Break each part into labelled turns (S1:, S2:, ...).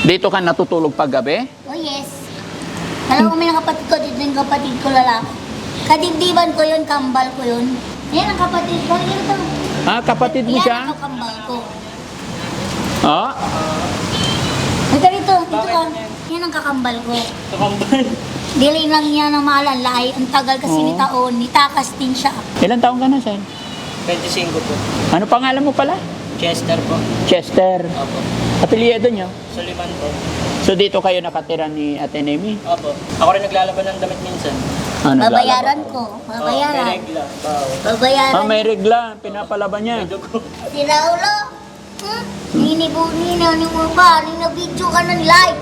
S1: Dito ka natutulog paggabi?
S2: Oh yes. Alam mo, may kapatid ko dito, yung kapatid ko lalaki. Kadibdiban ko yun, kambal ko yun. Yan ang kapatid ko. Yan ito.
S1: Ah, kapatid mo
S2: Yan
S1: siya?
S2: ang kambal ko.
S1: Ah?
S2: Ito dito, dito ka. Yan ang kakambal ko.
S3: Kakambal.
S2: Dili lang niya na malalay. Ang tagal kasi
S1: Oo.
S2: ni taon. Nitakas din siya.
S1: Ilan taong ka na, Sen?
S3: 25 po.
S1: Ano pangalan mo pala?
S3: Chester po.
S1: Chester.
S3: Opo.
S1: Apelyido nyo?
S3: Suliman po.
S1: So dito kayo nakatira ni Ate Nemi?
S3: Opo. Ako rin naglalaban ng damit minsan.
S1: Ah,
S2: Babayaran
S1: naglalaba.
S2: ko.
S3: May
S2: Babayaran.
S3: regla. Bao.
S2: Babayaran.
S1: Ah, may regla. Pinapalaban niya.
S3: May dugo.
S2: Si Raulo. Ninibuni na ni mo ba? Ninabidyo ka ng live.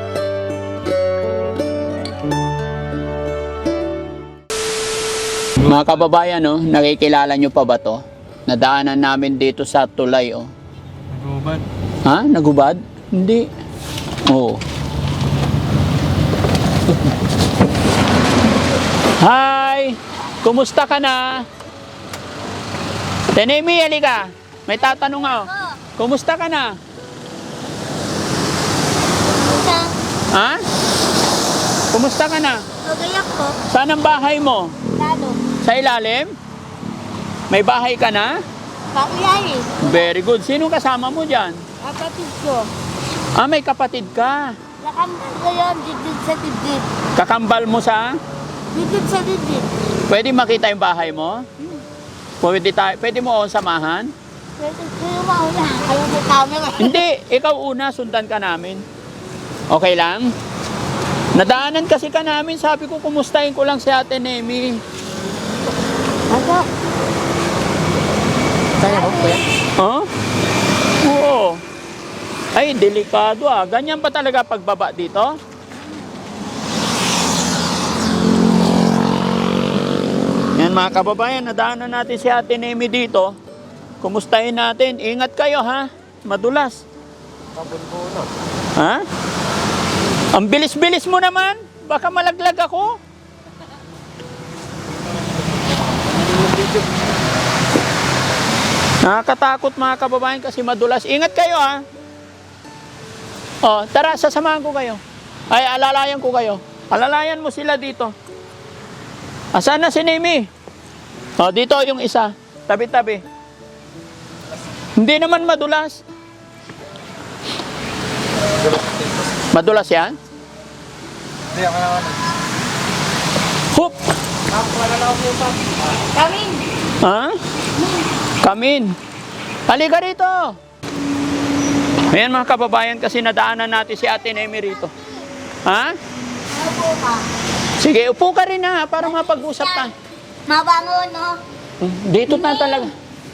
S1: Mga kababayan, no, nakikilala nyo pa ba to? Nadaanan namin dito sa tulay, oh.
S3: Nagubad.
S1: Ha? Nagubad? Hindi. Oo. Hi! Kumusta ka na? Tenemi, halika. May tatanong ako.
S2: Oh,
S1: Kumusta ka na?
S2: isa.
S1: Ha? Kumusta ka na?
S2: Pagayak ko.
S1: Saan ang bahay mo?
S2: Lalo.
S1: Sa ilalim? May bahay ka na?
S2: Pakiyari.
S1: Very good. Sino kasama mo dyan?
S2: Kapatid ko.
S1: Ah, may kapatid ka.
S2: Nakambal ko yun. Didid sa didid.
S1: Kakambal mo sa...
S2: Didid sa didid.
S1: Pwede makita yung bahay mo? Pwede mo akong samahan?
S2: Pwede kayo mauna. Kayo may camera.
S1: Hindi, ikaw una, sundan ka namin. Okay lang? Nadaanan kasi ka namin, sabi ko, kumustahin ko lang si Ate Nemi.
S2: Ako.
S3: Kaya po kuya?
S1: Huh? Oo. Ay, delikado ah. Ganyan pa talaga pagbaba dito? Yan mga kababayan, nadaanan natin si Ate Nemi dito. Kumustahin natin. Ingat kayo ha. Madulas. Ha? Ang bilis-bilis mo naman. Baka malaglag ako. Nakakatakot mga kababayan kasi madulas. Ingat kayo ha. Oh, tara, sasamahan ko kayo. Ay, alalayan ko kayo. Alalayan mo sila dito. Asan na si Nemi? Oh, dito yung isa. Tabi-tabi. Hindi naman madulas. Madulas yan?
S3: Hindi ako naman.
S1: Hup!
S2: Kamin.
S1: Ha? Kamin. Halika rito. Ayan mga kababayan kasi nadaanan natin si Ate Nemi rito. Ha?
S2: Ako ka.
S1: Sige, upo ka rin ha para mapag-usap tayo.
S2: Mabangon, no?
S1: Dito na talaga.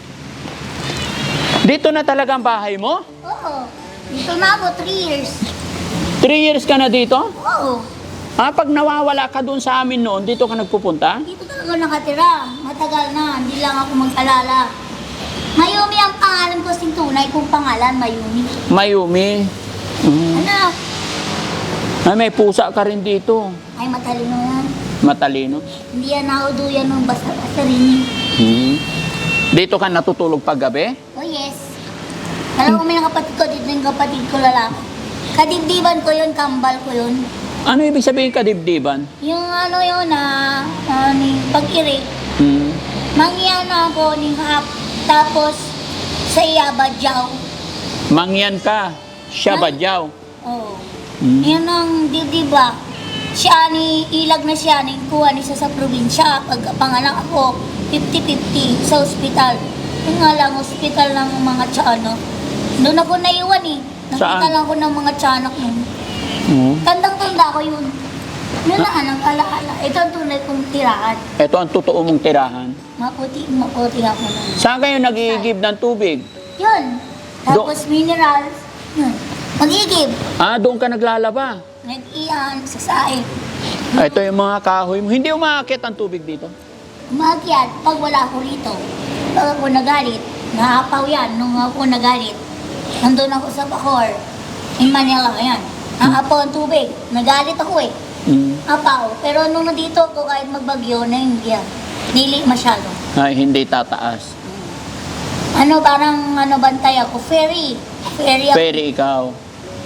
S1: Dito na talaga ang bahay mo?
S2: Oo. Dito na ako 3 years.
S1: 3 years ka na dito?
S2: Oo.
S1: Ah, pag nawawala ka doon sa amin noon, dito ka nagpupunta?
S2: Dito talaga nakatira. Matagal na. Hindi lang ako mag-alala. Mayumi ang pangalan ko sing tunay kong pangalan, Mayumi.
S1: Mayumi.
S2: Anak,
S1: Ay, may pusa ka rin dito.
S2: ay matalino yan.
S1: Matalino.
S2: Hindi yan nauduyan ng basta-basta rin.
S1: Dito ka natutulog paggabi?
S2: Oh yes. Alam mo, may kapatid ko dito, yung kapatid ko lalaki. Kadibdiban ko yun, kambal ko yun.
S1: Ano ibig sabihin kadibdiban?
S2: Yung ano yun pag-iri. Mangyan ako ni hap. Tapos sa Iyabadyaw.
S1: Mangyan ka. Siya badyaw.
S2: Oo. Yan ang diba? Siya ni ilag na siya ni kuha ni sa probinsya. Pag panganak ako 50-50 sa ospital. Yung nga lang ospital ng mga tiyanak. Doon ako naiwan eh. Nakita
S1: Saan?
S2: lang ako ng mga tiyanak nun. Tandang-tanda ko yun. Yun na anong alaala. Ito ang tunay kong tirahan.
S1: Ito ang totoo mong tirahan.
S2: Maputi ako nun.
S1: Saan kayo nag-iigib ng tubig?
S2: Yun. Tapos minerals. Yun. Mag-igib.
S1: Ah, doon ka naglalaba.
S2: Nag-iyan sa saing.
S1: Ito yung mga kahoy mo. Hindi umaakit ang tubig dito.
S2: Umakyat pag wala ako rito. Pag ako nagalit, nahapaw yan nung ako nagalit. Nandun ako sa Bacoor. In Manila, yan. Nahapaw ang tubig. Nagalit ako eh. Apaw. Pero nung nandito ako kahit magbagyo na hindi yan. Dili masyado.
S1: Ay, hindi tataas.
S2: Parang bantay ako. Ferry. Ferry ako.
S1: Pero ikaw.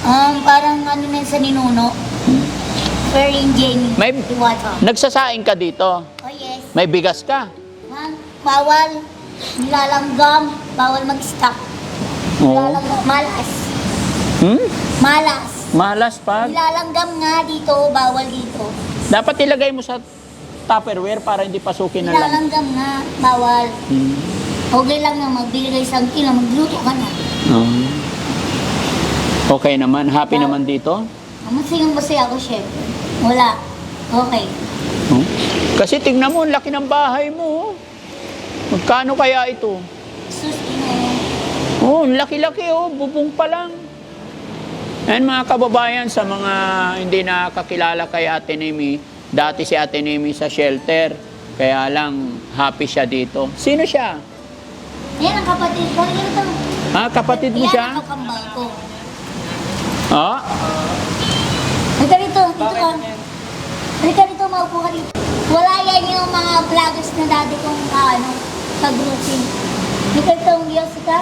S2: Parang ano na sa ninuno. Very Jamie.
S1: May-
S2: Iwata.
S1: Nagsasaing ka dito.
S2: Oh yes.
S1: May bigas ka.
S2: Bawal. Nilalanggam. Bawal mag-stock.
S1: Oo.
S2: Nilalanggam. Malas.
S1: Hmm?
S2: Malas.
S1: Malas pag.
S2: Nilalanggam nga dito. Bawal dito.
S1: Dapat ilagay mo sa Tupperware para hindi pasukin na lang.
S2: Nilalanggam nga. Bawal.
S1: Hmm.
S2: Okay lang na magbigay isang kilo. Magluto ka na.
S1: Oo. Okay naman. Happy naman dito.
S2: Masayang-masaya ako, chef. Wala. Okay.
S1: Oh. Kasi tignan mo, ang laki ng bahay mo. oh. Magkano kaya ito?
S2: Sus,
S1: Oh, ang laki-laki oh, bubong pa lang. Ayan mga kababayan, sa mga hindi nakakilala kay Ate Nemi, dati si Ate Nemi sa shelter, kaya lang happy siya dito. Sino siya?
S2: Yan ang kapatid ko. Yan ito.
S1: Ah, kapatid mo
S2: Yan
S1: siya?
S2: ang kakambal ko.
S1: Ah,
S2: Halika rito. Dito ka. Halika rito. Maupo ka dito. Wala yan yung mga vloggers na dati kong ka-grouping. Halika rito. Diyos ka.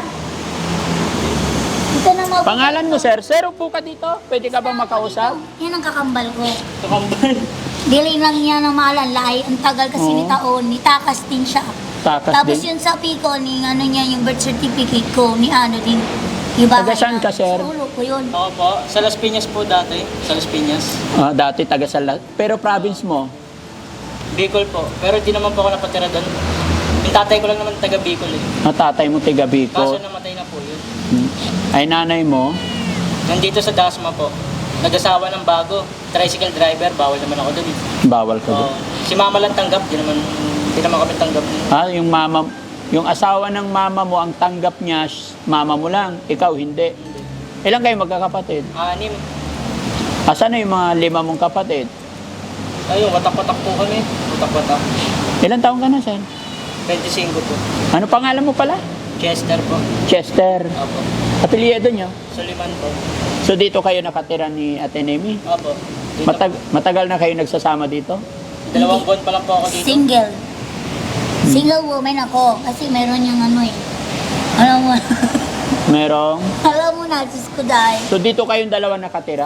S2: Dito na maupo.
S1: pangalan mo sir? Sir, upo ka dito. Pwede ka bang makausap?
S2: Yan ang kakambal ko.
S1: Kakambal.
S2: Dili lang niya ng malalay. Ang tagal kasi
S1: Oo.
S2: ni taon. Nitakas din siya.
S1: Takas
S2: Tapos
S1: din.
S2: yun sa Pico, ni ano niya, yung birth certificate ko, ni ano din. Yung bahay
S1: Taga saan
S2: na-
S1: ka, sir?
S2: Sa ulo ko yun.
S3: Ako po, sa Las Piñas po dati. Sa Las Piñas.
S1: Ah, dati taga Salat. Pero province mo?
S3: Bicol po. Pero di naman po ako napatira doon. Yung tatay ko lang naman taga Bicol eh.
S1: Ah, tatay mo tiga
S3: Kaso
S1: Bicol.
S3: namatay na po yun.
S1: Ay nanay mo?
S3: Nandito sa Dasma po. Nag-asawa ng bago. Tricycle driver. Bawal naman ako doon eh.
S1: Bawal ka
S3: Oo.
S1: doon.
S3: Si mama lang tanggap. Di naman kami tanggap.
S1: Ah, yung asawa ng mama mo, ang tanggap niya, mama mo lang, ikaw hindi. Ilan kayo magkakapatid?
S3: 6.
S1: Asan na yung mga 5 mong kapatid?
S3: Ayun, watak-watak po kami. Watak-watak.
S1: Ilan taong ka na, sir?
S3: 25 po.
S1: Ano pangalan mo pala?
S3: Chester po.
S1: Chester.
S3: Opo.
S1: Apelyido niyo?
S3: Suliman po.
S1: So dito kayo nakatira ni Ate Nemi?
S3: Opo. Dito,
S1: Matagal na kayo nagsasama dito?
S3: 2 buwan pa lang po ako dito.
S2: Single. Single woman ako. Kasi meron yung ano eh. Alam mo,
S1: Merong?
S2: alam mo na, Diyos ko dahil.
S1: So dito kayong dalawa nakatira?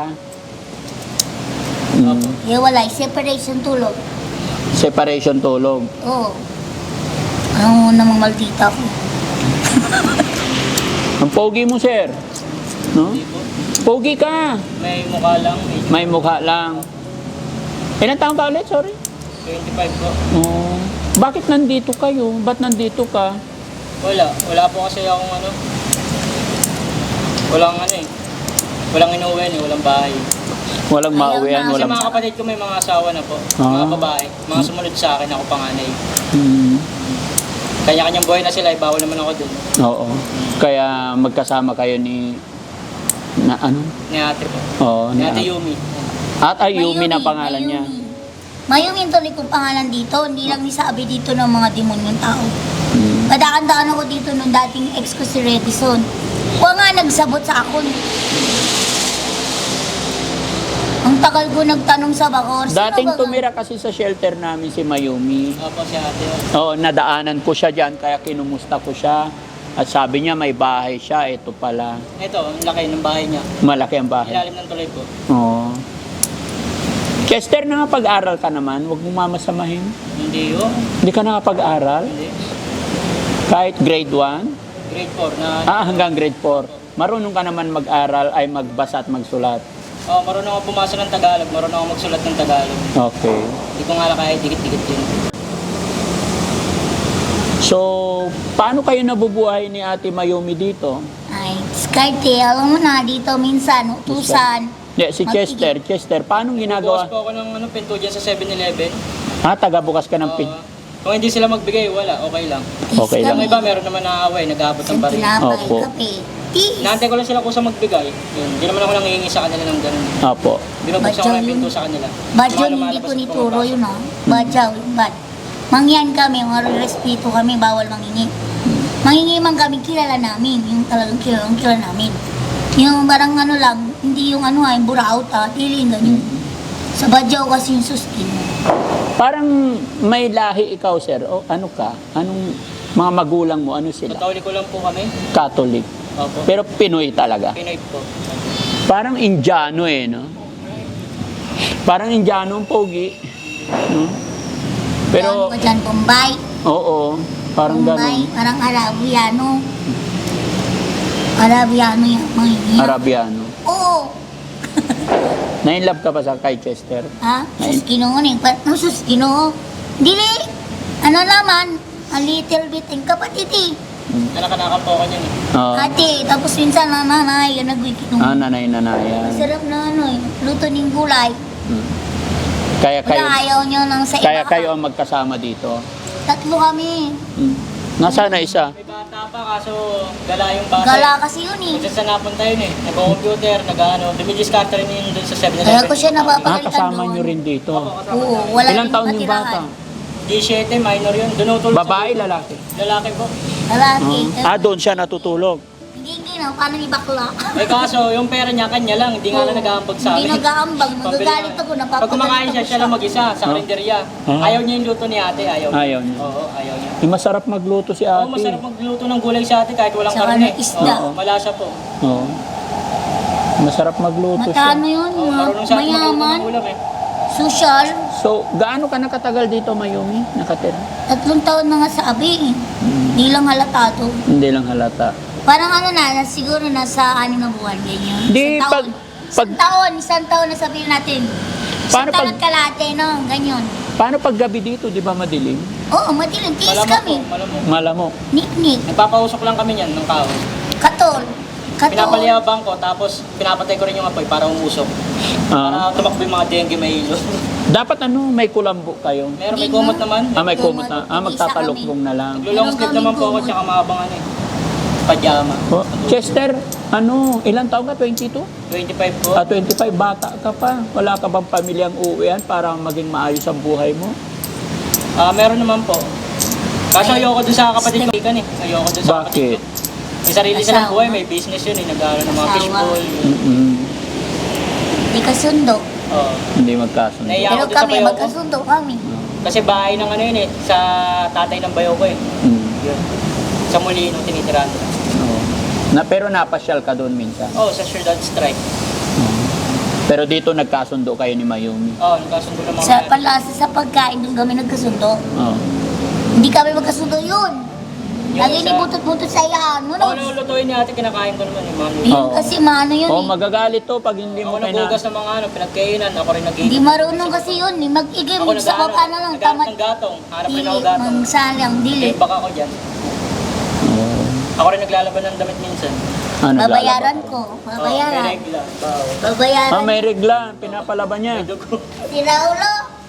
S3: Opo.
S2: Iwalay, separation tulog.
S1: Separation tulog.
S2: Oo. Alam mo namang maldita ko.
S1: Ang pogi mo, sir. No?
S3: Hindi po.
S1: Pogi ka.
S3: May mukha lang.
S1: May mukha lang. Ilan taong ka ulit? Sorry.
S3: 25 po.
S1: Oh. Bakit nandito kayo? Ba't nandito ka?
S3: Wala. Wala po kasi akong ano. Walang ano eh. Walang inuwi eh. Walang bahay.
S1: Walang
S2: Ayaw
S1: mauwian,
S2: na.
S3: Kasi
S1: walang...
S3: mga kapatid ko may mga asawa na po.
S1: Ah.
S3: Mga babae. Mga sumunod sa akin. Ako panganay.
S1: Hmm.
S3: Kanya-kanyang buhay na sila. Bawal naman ako dun.
S1: Oo. Kaya magkasama kayo ni... Na ano?
S3: Ni ate po.
S1: Oo.
S3: Ni ate Yumi.
S1: At Ayumi na pangalan niya.
S2: Mayumi yung tuloy kong pangalan dito. Hindi lang nisabi dito ng mga demonyong tao.
S1: Hmm.
S2: Kadaan-daan ako dito nung dating ex ko si Redison. Huwag nga nagsabot sa akon. Ang tagal ko nagtanong sa Bacor. sino
S1: Dating
S2: ba-
S1: tumira kasi sa shelter namin si Mayumi.
S3: Opo si ate.
S1: Oo, nadaanan ko siya dyan, kaya kinumusta ko siya. At sabi niya may bahay siya, ito pala.
S3: Ito, ang laki ng bahay niya.
S1: Malaki ang bahay.
S3: Ilalim ng tuloy po.
S1: Oo. Chester, nakapag-aral ka naman, huwag mong mamasamahin.
S3: Hindi yun.
S1: Hindi ka nakapag-aral?
S3: Hindi.
S1: Kahit grade 1?
S3: Grade 4 na...
S1: Hanggang grade 4. Marunong ka naman mag-aral ay magbasa at magsulat.
S3: Oh, marunong ako pumasa ng Tagalog. Marunong ako magsulat ng Tagalog.
S1: Okay.
S3: Hindi ko nga lang kaya dikit-dikit yun.
S1: So, paano kayo nabubuhay ni Ate Mayumi dito?
S2: Ay, diskarte. Alam mo na, dito minsan, utusan.
S1: Yeah, si Chester. Chester, paano
S3: Bukas
S1: ginagawa?
S3: po ako ng pinto dyan sa 7-Eleven.
S1: Taga-bukas ka ng pin.
S3: Kung hindi sila magbigay, wala. Okay lang.
S1: Okay lang.
S3: Yung iba, meron naman nakaaway. Nag-aabot ng baril.
S2: Tinapay,
S1: Opo.
S2: kape. Tis.
S3: Inaantay ko lang sila kung sa magbigay. Yun. Hindi naman ako nangihingi sa kanila ng ganun.
S1: Opo.
S3: Binubuksan ko
S2: Badyaw
S3: lang yung
S2: yun.
S3: pinto sa kanila.
S2: Bad yun,
S3: Mga
S2: hindi
S3: lumalabas
S2: ko
S3: at
S2: nituro
S3: pumapasok.
S2: yun ah. Badyaw, bad. Mangyan kami, mga respeto kami, bawal mangingi. Mangingi man kami, kilala namin. Yung talagang kilala namin. Yung barang ano lang, hindi yung ano yung buraot tiling ganyan. Sa Badyaw kasi yung suskin.
S1: Parang may lahi ikaw, sir. O ano ka? Anong mga magulang mo? Ano sila?
S3: Katoliko lang po kami.
S1: Catholic.
S3: Opo.
S1: Pero Pinoy talaga.
S3: Pinoy po.
S1: Parang Indiano no? Parang Indiano ang pogi. No? Pero,
S2: Yan ko dyan, Bombay.
S1: oo, parang
S2: Bombay,
S1: gano'n.
S2: parang Arabiano. Arabiano yan, mga yan.
S1: Arabiano.
S2: Oo.
S1: Na-inlove ka pa sa kay Chester?
S2: Ha? Sus Ginoo ni. Sus Ginoo. Dili. Ano naman? A little bit. Ang kapatid eh.
S3: Nakanakam po ako niyan eh.
S1: Oo.
S2: Ate, tapos minsan nanay, yan nagwikinong.
S1: Nanay-nanayan.
S2: Masarap na ano eh. Luto ng gulay.
S1: Kaya kayo,
S2: Wala ayaw nyo ng sa iba.
S1: kaya kayo ang magkasama dito.
S2: Tatlo kami.
S1: Nasaan na isa?
S3: May bata pa kaso gala yung bata.
S2: Gala kasi yun eh.
S3: Kung saan napunta yun eh. Nag-computer, nag-ano. Dumidiscard rin yun dun sa 7-Eleven.
S2: Kaya ko siya napapagalitan
S1: Kasama
S2: doon.
S1: nyo rin dito.
S2: Oo, wala
S1: Ilang
S2: rin
S1: taon yung
S2: matirahan.
S1: bata?
S3: G7, minor yun. Doon utulog
S1: Babae, lalaki?
S3: Lalaki po.
S2: Lalaki.
S1: Doon siya natutulog.
S2: Hindi na, paano ni bakla?
S3: Eh kaso, yung pera niya, kanya lang. Hindi nga lang nag-aambag sa
S2: Hindi
S3: amin.
S2: nag-aambag.
S3: Pambili
S2: Magagalit
S3: nga.
S2: ako,
S3: Pag
S2: napapagalit
S3: kumakain siya,
S2: ako
S3: siya lang mag-isa sa karinderya.
S1: Huh?
S3: Ayaw niya yung luto ni ate, ayaw niya.
S1: Ayaw niya.
S3: Oo, ayaw niya.
S1: Masarap magluto si
S3: Oo,
S1: ate.
S3: masarap magluto ng gulay si ate kahit walang
S2: Saka
S3: karne.
S2: ng isda.
S3: Oo, malasa po.
S1: Oo. Masarap magluto siya.
S2: Matano yun,
S3: Oo, marunong sa atin magluto
S2: mayaman,
S3: ng ulam eh.
S2: social.
S1: So, gaano ka nakatagal dito, Mayumi? Nakatira?
S2: 3 taon na nga sa abi. Hindi lang halatado.
S1: Hindi lang halata.
S2: Parang ano na, siguro nasa 6 na buwan, ganyan.
S1: Di,
S2: Isang taon.
S1: pag-
S2: Isang taon na sabihin natin.
S1: Paano
S2: Isang taon
S1: pag-
S2: at kalate, no? Ganyan.
S1: Paano pag gabi dito, di ba madilim?
S2: Oo, madilim. Tiis
S3: Malamok
S2: kami.
S3: po, malamok.
S1: Malamok.
S2: Nik-nik.
S3: Nagpapausok lang kami niyan ng kahoy.
S2: Katol. Katol.
S3: Pinapaliyabang ko, tapos pinapatay ko rin yung apoy para umusok.
S1: Ah.
S3: Para tumakbo yung mga dengue may ilo.
S1: Dapat may kulambo kayo.
S3: Meron may
S2: Hindi
S3: kumot
S2: na.
S3: naman.
S1: May kumot na.
S2: Isa
S1: Magtatalokbong na lang.
S3: Naglulong sleeve naman po ako, tsaka mahabang ano eh. Pajama.
S1: Oh, Chester, ilang taon ka? 22?
S3: 25 po.
S1: 25, bata ka pa. Wala ka bang pamilyang uuwian para maging maayos ang buhay mo?
S3: Meron naman po. Kaso ayoko dun sa kapatid ko. Ikan eh. Ayoko dun sa kapatid
S1: Bakit?
S3: ko. May sarili silang
S2: Asawa.
S3: buhay, may business yun eh. Nag-aaral ng mga
S2: Asawa.
S3: fishbowl.
S2: Hindi kasundo.
S3: Oo.
S1: Hindi magkasundo.
S3: Naiya
S2: Pero
S3: ako dun sa
S2: kami,
S3: bayaw ko.
S2: magkasundo kami.
S3: Kasi bahay ng ano yun eh. Sa tatay ng bayaw ko eh. Yun. Sa Molino, tinitirahan ko.
S1: Oo. Pero napasyal ka doon minsan.
S3: Oh, sa Ciudad Strike.
S1: Pero dito nagkasundo kayo ni Mayumi.
S3: Oh, nagkasundo ng mga...
S2: Sa palasa sa pagkain, doon kami nagkasundo.
S1: Oo.
S2: Hindi kami magkasundo yun.
S3: Yung
S2: Lagi
S3: isa-
S2: ni butot-butot sa iyan.
S3: Ako lulutuin ni ate, kinakain ko naman yung mga luto.
S2: Yun
S1: Oo.
S2: kasi maano yun
S1: Oh,
S2: eh.
S1: magagalit to pag hindi
S3: Ako
S1: mo
S3: naghugas ng mga ano, pinagkainan, ako rin nag
S2: Hindi marunong kasi yun eh. Mag-igim
S3: Ako
S2: sa baba na lang.
S3: naghanap
S2: Tamad.
S3: ng gatong, hanap rin
S2: Dili,
S3: ako gatong.
S2: mangsalang, dili.
S3: Eh, baka ako dyan.
S1: Oo.
S3: Ako rin naglalaban ng damit minsan.
S2: Babayaran
S1: naglalaba
S2: ko.
S3: Oh, may
S2: Babayaran.
S3: regla. Bao.
S2: Babayaran.
S1: May regla. Pinapalaban niya.
S3: May dugo.
S2: Si Raulo.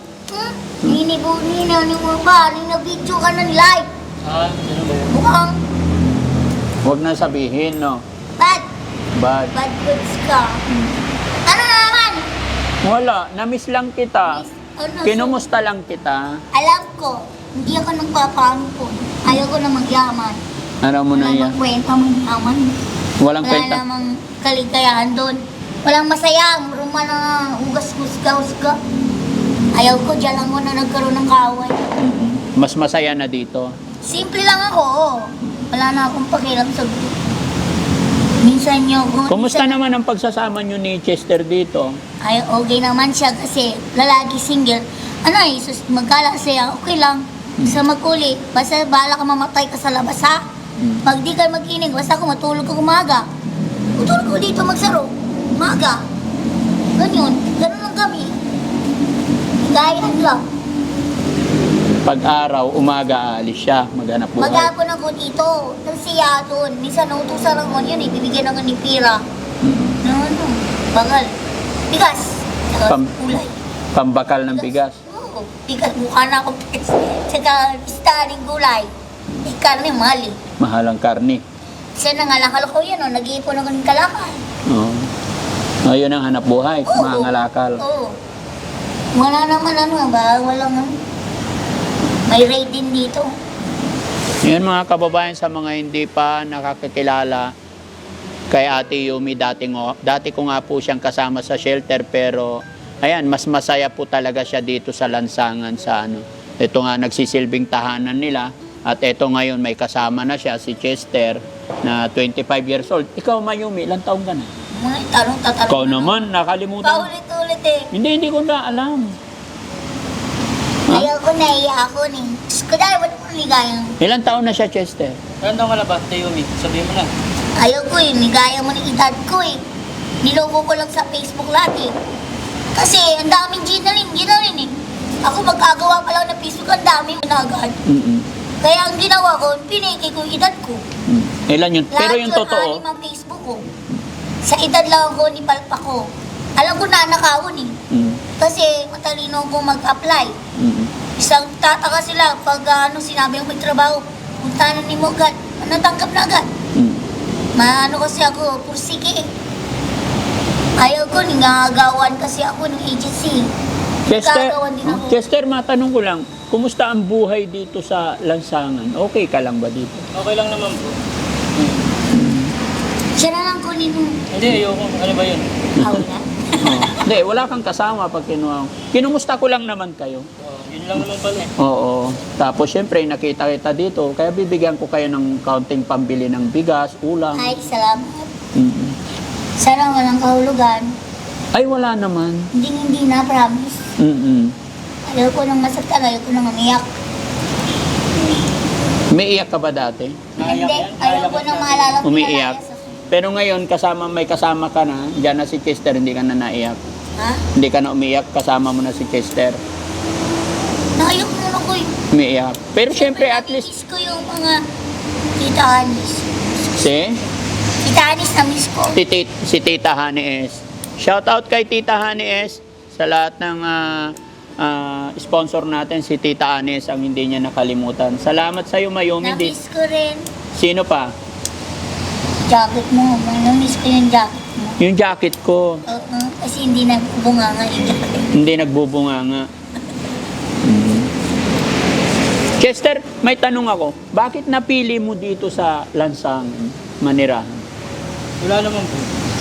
S2: Nini mo ba? Nina-video ka ng live.
S3: Ano ba yun?
S2: Mukhang
S1: Huwag na sabihin, no?
S2: bad.
S1: Bad.
S2: Bad goods ka. Ano na naman?
S1: Wala. Namiss lang kita.
S2: Ano,
S1: Kinumusta lang kita.
S2: alam ko, hindi ako nagpapampon. Ayaw ko na magyaman.
S1: Ano mo na
S2: Wala
S1: yan?
S2: namang kwenta magyaman.
S1: Walang
S2: Wala
S1: kwenta.
S2: namang kaligayahan doon. Walang masaya. Muruma na hugas-husga-husga. Ayaw ko, dyan lang ko na nagkaroon ng kaway.
S1: Mas masaya na dito.
S2: Simple lang ako. Wala na akong pakialam sa group. Minsan nyo ko.
S1: Kumusta naman ang pagsasama nyo ni Chester dito?
S2: Ay, okay naman siya kasi lalaki single. Ano eh, magkala siya, okay lang. Sa magkuli, basta bala ka mamatay ka sa labas ha. Pag di ka mag-inig, basta ako matulog ka umaga. Matulog ko dito magsaro. Umaga. Ganyan. Ganun lang kami. Gayaan lang.
S1: Pag-araw, umaga, aalis siya. Maghanap buhay.
S2: Maghapon ako dito. Tapos siya doon. Minsan nautusan ako yun eh. Bibigyan ako ni Pira. Ano? Bagal. Bigas. Saka
S1: Pam-
S2: kulay.
S1: Pambakal ng bigas.
S2: Oo. Bigas. Mukha na ako. Saka staring gulay. Karne mali.
S1: Mahal ang karni.
S2: Siya nangalakal ko yan. Nag-iipon ako ng kalakal.
S1: Oo. Ayun ang hanap buhay.
S2: Oo.
S1: Mga ngalakal.
S2: Oo. Wala naman ano ba? Walang may rate din dito.
S1: Yun mga kababayan, sa mga hindi pa nakakakilala kay Ate Yumi, dati ko nga po siyang kasama sa shelter, pero ayan, mas masaya po talaga siya dito sa lansangan sa ano. Ito nga nagsisilbing tahanan nila, at ito ngayon may kasama na siya, si Chester, na 25 years old. Ikaw, Mayumi, ilang taong ka na?
S2: Mga tanong-tatanong.
S1: Ikaw naman, nakalimutan.
S2: Paulit-ulit eh.
S1: Hindi ko na alam. Ha?
S2: Ayaw ko naiya ako ni. Diyos ko dahil ba't ako ligayang?
S1: Ilang taon na siya, Chester?
S3: Ilan taon ka na ba, Tayumi? Sabihin mo na.
S2: Ayaw ko eh, ligaya mo ng edad ko eh. Niloko ko lang sa Facebook lahat eh. Kasi ang daming ginarin eh. Ako magkagawa pa lang ng Facebook, ang dami na agad.
S1: Mm-mm.
S2: Kaya ang ginawa ko, piniki ko yung edad ko.
S1: Ilan yun? Pero
S2: Lahat
S1: yung
S2: yun,
S1: totoo,
S2: anim ang Facebook ko. Sa edad lang ako, nipalpa ko. Alam ko na nakawon eh. Kasi matalino ko mag-apply. Isang tataka sila pag sinabi ko may trabaho, punta na ni mo agad, natanggap na agad. Maano kasi ako, pursige eh. Ayaw ko, nangagawan kasi ako ng agency. Nagagawan din ako.
S1: Chester, matanong ko lang, kumusta ang buhay dito sa Lansangan? Okay ka lang ba dito?
S3: Okay lang naman po.
S2: Siya na lang kunin mo.
S3: Hindi, ayoko. Ano ba yun?
S2: Wala.
S1: Hindi, wala kang kasama pag kinuha. Kinumusta ko lang naman kayo.
S3: Yun lang naman pala eh.
S1: Oo. Tapos syempre, nakita kita dito, kaya bibigyan ko kayo ng kaunting pambili ng bigas, ulam.
S2: Ay, salamat.
S1: Mm.
S2: Sana walang kahulugan.
S1: Ay, wala naman.
S2: Hindi na, promise.
S1: Mm-mm.
S2: Ayaw ko nang masaktan, ayaw ko nang umiyak.
S1: May iyak ka ba dati?
S3: Naiyak
S2: Hindi,
S3: yan?
S2: ayaw ko nang maalala ko
S1: Umiiyak. Pero ngayon, may kasama ka na, dyan na si Chester, hindi ka na naiyak.
S2: Ha?
S1: Hindi ka na umiyak, kasama mo na si Chester.
S2: Naiyak mo na ko eh.
S1: Umiiyak. Pero syempre, at least,
S2: Miss ko yung mga tita Anis.
S1: si
S2: Tita Anis na miss ko.
S1: si Tita Honey S. Shout out kay Tita Honey S sa lahat ng sponsor natin, si Tita Anis ang hindi niya nakalimutan. Salamat sa iyo, Mayumi.
S2: Na-miss ko rin.
S1: Sino pa?
S2: Jacket mo. Na-miss ko yung jacket mo.
S1: Yung jacket ko.
S2: Oo, kasi hindi nagbubunga nga yung jacket.
S1: Hindi nagbubunganga. Chester, may tanong ako. Bakit napili mo dito sa Lansangan, Manirahan?
S3: Wala naman po.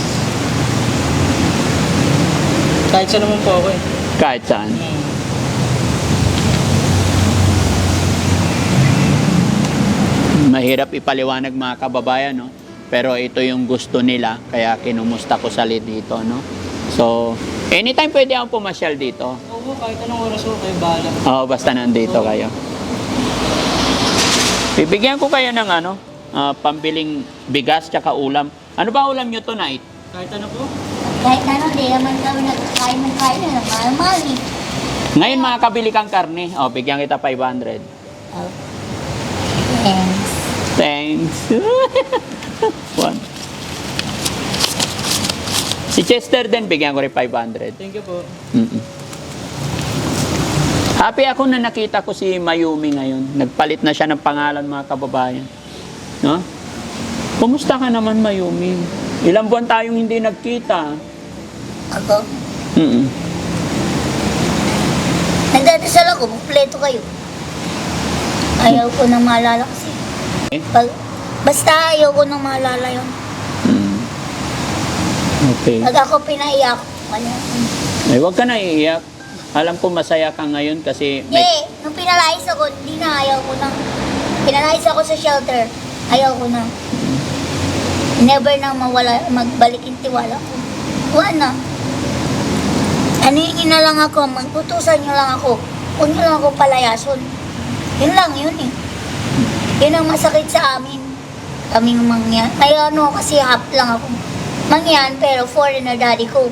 S3: Kahit saan naman po ako eh.
S1: Kahit saan. Mahirap ipaliwanag mga kababayan, no? Pero ito yung gusto nila, kaya kinumusta ko sa dito, no? So, anytime pwede akong pumasyal dito.
S3: Oo, kahit anong oras ko, kayo bahala.
S1: Oo, basta nandito kayo. Bibigyan ko kayo ng pambiling bigas tsaka ulam. Ano ba ulam nyo tonight?
S3: Kahit ano po.
S2: Kahit ano, di naman kami nagkakain ng kain na mahal-mahal eh.
S1: Ngayon makakabili kang karne. O, bigyan kita 500.
S2: Oh. Thanks.
S1: Thanks. One. Si Chester din, bigyan ko rin 500.
S3: Thank you po.
S1: Mm-mm. Happy ako na nakita ko si Mayumi ngayon. Nagpalit na siya ng pangalan, mga kababayan. No? Kumusta ka naman, Mayumi? Ilang buwan tayong hindi nagkita.
S2: Ako?
S1: Mm-mm.
S2: Nagdadasal ako, kumpleto kayo. Ayaw ko nang maalala kasi.
S1: Eh?
S2: Basta ayaw ko nang maalala yun.
S1: Mm. Okay.
S2: Pag ako pinaiyak, wala.
S1: Ay, huwag ka na iiyak. Alam ko masaya ka ngayon kasi
S2: Hindi, nung pinalayas ako, hindi na ayaw ko na. Pinalayas ako sa shelter, ayaw ko na. Never na magbalik yung tiwala ko. Wala na. Ano yun na lang ako, magputusan nyo lang ako. Huwag nyo lang ako palayason. Yun lang yun eh. Yun ang masakit sa amin. Kaming mangyan. Ay kasi half lang ako. Mangyan, pero foreigner daddy ko.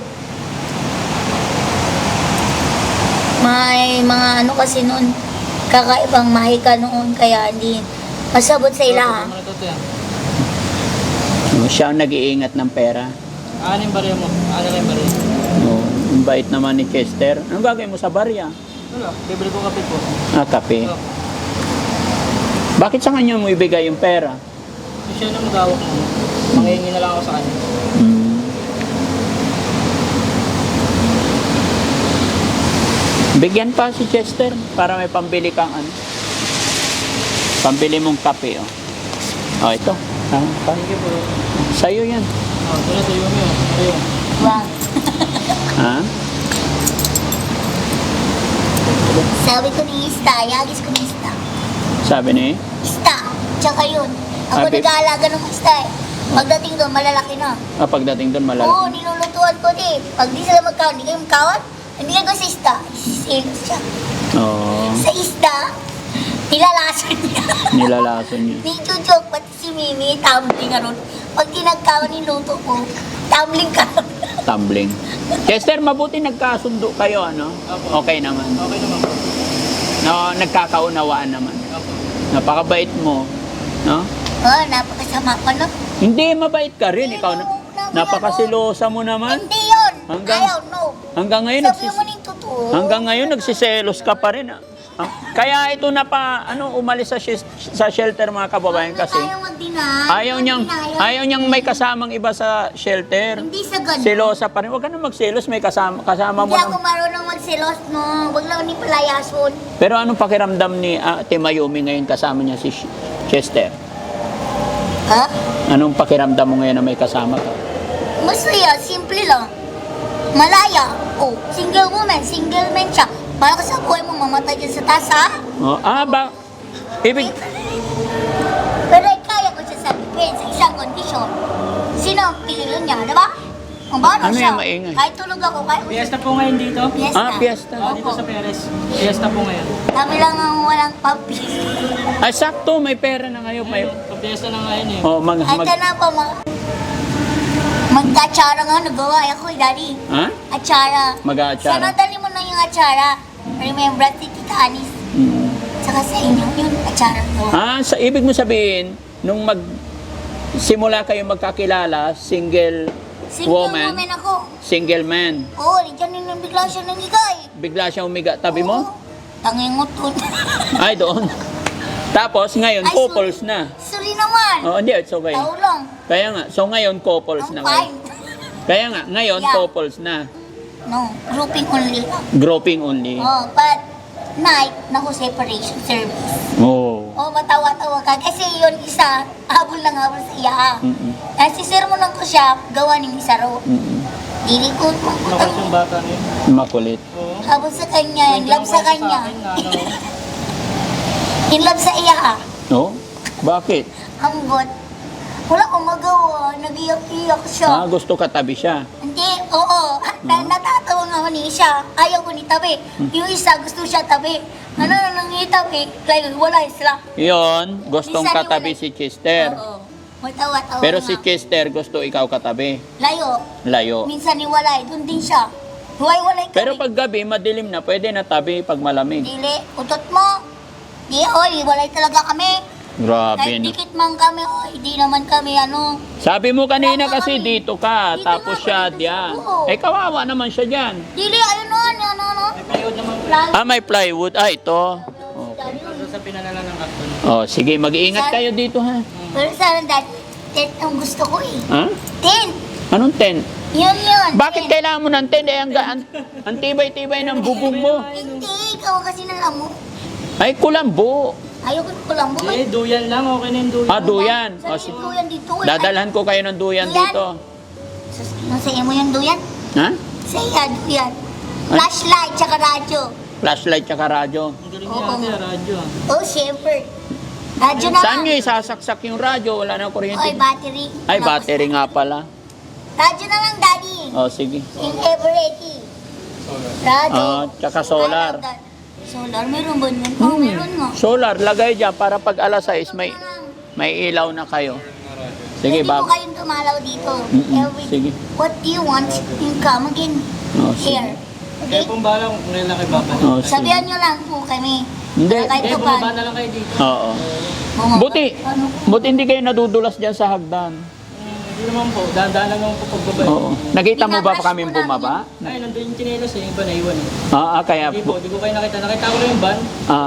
S2: May mga kasi noon, kakaibang mahika noon, kaya hindi masabot sa ila.
S3: Ano to yan?
S1: siya ang nag-iingat ng pera.
S3: Anim barya mo. Ano lang yung barya?
S1: Oh, ang bait naman ni Chester. Anong gagawin mo sa barya?
S3: Wala. Libre ko kape po.
S1: Kape.
S3: Oh.
S1: Bakit sa kanya mo ibigay yung pera?
S3: Siya na magawak mo. Manghihingi na lang ako sa kanya.
S1: Bigyan pa si Chester para may pambili kang pambili mong kape, oh. Oh, ito.
S3: Thank you po.
S1: Sa'yo yan.
S3: Ito na tayo mo. Ayun.
S2: Wow.
S1: Ha?
S2: Sabi ko ni Ista, yagis ko ni Ista.
S1: Sabi ni?
S2: Ista, tsaka yun. Ako
S1: Abi-
S2: nag-aalaga ng Ista eh. Pagdating doon, malalaki na.
S1: Pagdating doon, malaki.
S2: Oo, nilulutuan ko din. Pag di sila magkawan, di kayo magkawan, hindi ko sa isda. Isiselos siya.
S1: Oo.
S2: Sa isda, nilalason niya.
S1: Nilalason niya.
S2: Ni Chuchok, pati si Mimi, tumbling ka ron. Pag tinagkawan niluto ko, tumbling ka ron.
S1: Tumbling. Chester, mabuti nagkasundo kayo, ano? Okay naman.
S3: Okay naman po.
S1: No, nagkakaunawaan naman.
S3: Opo.
S1: Napakabait mo, no?
S2: Oh, napakasama ko, no?
S1: Hindi, mabait ka rin. Ikaw, napakasilosa mo naman.
S2: Hindi yun.
S1: Hanggang-
S2: Ayaw, no.
S1: Hanggang ngayon,
S2: Sabi mo ng totoo.
S1: hanggang ngayon nagsiselos ka pa rin. Kaya ito umalis sa shelter mga kababayan kasi
S2: Ayaw mag-deny.
S1: ayaw niyang may kasamang iba sa shelter.
S2: Hindi sa ganun.
S1: Selosa pa rin. Huwag ka na magselos, may kasama mo
S2: Hindi ako
S1: ng...
S2: marunong magsilos, no. Huwag lang ni palayason.
S1: Pero anong pakiramdam ni Ate Mayumi ngayon kasama niya si Chester?
S2: Ha?
S1: Anong pakiramdam mo ngayon na may kasama ka?
S2: Masaya, simple lang. Malaya. Oh, single woman, single man siya. Para ka sa buhay mo, mamatay dyan sa taas, ha?
S1: Oh, ibig...
S2: Pero kaya ko siya sabihin sa isang kondisyon. Sino ang pili niya, di ba? Ang bano
S1: Ano
S2: siya.
S1: yung maingay?
S2: Kahit tulog ako, kahit
S3: Fiesta po ngayon dito.
S2: Fiesta.
S1: Fiesta.
S3: Dito sa Perez. Fiesta po ngayon.
S2: Kami lang ang walang pampis.
S1: Ay, sakto, may pera na ngayon. May...
S3: Fiesta na ngayon eh.
S1: Oh,
S2: Ito na po, magkatsara nga, nagawa ako, daddy.
S1: Ha?
S2: Atsara.
S1: Mag-aatsara.
S2: Sana dali mo na yung atsara. Remember, si Tita Anis.
S1: Mm.
S2: Saka sa inyo, yung atsara gawa.
S1: Sa ibig mo sabihin, nung simula kayo magkakilala, single woman,
S2: ako.
S1: single man,
S2: Oo, diyan yung bigla siya nangigay.
S1: bigla siya umiga tabi mo?
S2: Tangingot ko.
S1: Ay, doon. Tapos ngayon,
S2: Ay,
S1: couples na.
S2: Sorry naman.
S1: Oh, hindi, it's okay.
S2: Tao lang.
S1: Kaya nga, so ngayon, couples
S2: Ang
S1: na
S2: fine.
S1: ngayon. Kaya nga, ngayon,
S2: Yeah.
S1: couples na.
S2: No, grouping only.
S1: Grouping only.
S2: Oh, but night, naku, separation service.
S1: Oh.
S2: Oh, matawa-tawa ka. Kasi yun isa, habol lang habol sa iya.
S1: Mm-mm.
S2: Kasi sermonan ko siya, gawa ng isa ro.
S1: Mm-mm.
S2: Dili ko,
S3: Nakas yung bata na yun.
S1: Makulit.
S3: Oo.
S2: habol sa kanya, in love sa kanya.
S3: Akin, ano,
S2: In love sa iya.
S1: No? Bakit?
S2: Hanggot. Wala akong magawa, nag-iyak-iyak siya.
S1: Gusto ka tabi siya.
S2: Hindi, oo. Natatawa nga ako ni siya. Ayaw ko ni tabi. Yung isa, gusto siya tabi. Ano na nang itabi? Kaya wala sila.
S1: Yon, gustong
S2: Minsan
S1: katabi
S2: iwalay.
S1: si Chester.
S2: Oo. Matawa-tawa
S1: Pero
S2: nga.
S1: si Chester gusto ikaw katabi.
S2: Layo.
S1: Layo.
S2: Minsan iwalay. Doon din siya. Huway-walay kami.
S1: Pero pag gabi, madilim na, pwede na tabi pag malamig.
S2: Dili, utot mo. Di, oy, iwalay talaga kami.
S1: Grabe.
S2: Kahit
S1: No?
S2: dikit man kami, oy, di naman kami, ano.
S1: Sabi mo kanina kasi dito ka,
S2: Dito
S1: tapos
S2: nga,
S1: siya
S2: dito
S1: diyan.
S2: siya, oo.
S1: Eh, kawawa naman siya diyan.
S2: Dili, ayun o, ano.
S3: may plywood naman po.
S2: Plan.
S1: May plywood. Ito.
S3: Ito sa pinalala ng karton.
S1: Oh, sige, mag-iingat kayo dito ha.
S2: Pero sana dad, tent ang gusto ko eh.
S1: Ha?
S2: Tent.
S1: Anong tent?
S2: Yun.
S1: Bakit
S2: tent.
S1: kailangan mo ng tent? Ang tibay-tibay ng bubong mo.
S2: Hindi, ikaw kasi nang amo.
S1: Ay, kulambo.
S2: Ayoko ko lang bumay.
S3: Eh, duyan lang. Okay na yung duyan.
S1: Duyan.
S2: Sa
S1: O,
S2: duyan dito. eh.
S1: dadalhan ko kayo ng duyan
S2: Duyan?
S1: dito.
S2: Nasa mo yung duyan?
S1: Ha?
S2: Sa iya, duyan. Flashlight, tsaka radyo.
S1: Flashlight tsaka radyo.
S3: Ang galing niya ate, radyo.
S2: Oh, syempre. Radyo na
S1: Saan
S2: lang.
S1: nyo isasaksak yung radyo? Wala na
S2: Oy,
S1: kuryente.
S2: battery.
S1: Ay, battery nga pala.
S2: Radyo na lang, daddy.
S1: O, sige.
S2: In ever ready. Radyo.
S1: Tsaka solar.
S2: Solar, meron ba yun? Oh, meron nga.
S1: Solar, lagay dyan para pag alas 6 may ilaw na kayo. Sige,
S2: Pwede po
S1: bab.
S2: kayong tumalaw dito.
S1: Mm-mm, sige.
S2: What do you want? Yung come again.
S1: Oh, sige.
S2: Here.
S3: Kaya
S2: Okay?
S3: pong bala kung kailan kayo babalik.
S1: Oh, sige.
S2: Sabihan nyo lang po kami.
S1: Hindi.
S2: Kahit
S3: Kaya
S2: pa
S3: bumaba na lang kayo dito.
S1: Oo.
S2: Bumaba.
S1: Buti.
S2: Ano?
S1: Buti hindi kayo nadudulas dyan sa hagdan.
S3: Hindi naman po. Dahan-dahan lang naman po pagbaba.
S1: Oo. Nakita mo ba
S2: Binabash
S1: kami
S2: mo
S1: bumaba?
S3: Ay, nandun yung chinelas eh. Iba na iwan eh.
S1: Kaya...
S3: Hindi po, di ko kayo nakita. Nakita ko lang yung van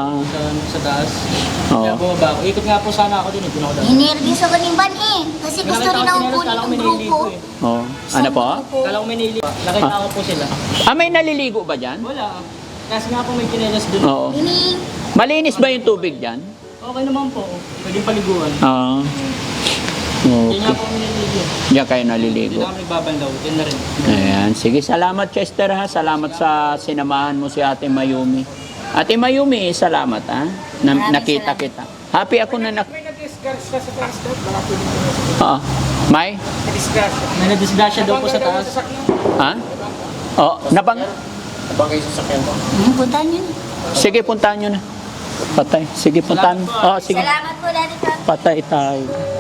S3: sa taas.
S1: Oo.
S3: Kaya bumaba ako. Ikot nga po sana ako din. Hindi na ako dahil.
S2: Inervyos ako ng ban eh. Kasi gusto rin akong kunin
S3: Kala ko
S2: ng
S3: may
S2: grupo.
S3: nililigo eh.
S1: Oh. Ano po?
S3: Kala ko may nililigo. Nakita ko po sila.
S1: May naliligo ba dyan?
S3: Wala. Kasi nga po may chinelas dun.
S1: Oo.
S2: Ini,
S1: Malinis ba yung tubig dyan?
S3: Okay naman po. Pwedeng paliguan.
S1: Oo.
S3: Hindi nga
S1: Okay.
S3: po kami nililigo.
S1: Diyan kayo
S3: Hindi
S1: naliligo.
S3: na kami babandaw. Yan na rin.
S1: Ayan. Sige, salamat Chester ha. Salamat sa sinamahan mo si Ate Mayumi. Ate Mayumi, salamat ha.
S2: Maraming
S1: Nakita
S2: salamat.
S1: kita. Happy ako na
S3: May nag-guest
S4: disgrasya sa taas daw. Baka pwede ko na sa
S1: Oo. May?
S4: disgrasya.
S3: May nadisgrasya daw po sa
S4: Nabangga daw
S3: taas.
S4: sa sakyan.
S1: Ha? Oh, nabang.
S4: Nabangga yung sasakyan mo.
S2: Puntahan yun.
S1: Sige, puntahan nyo na. Patay. Sige, puntahan. Oh, sige.
S2: Salamat po, Daddy Frank.
S1: Patay tayo.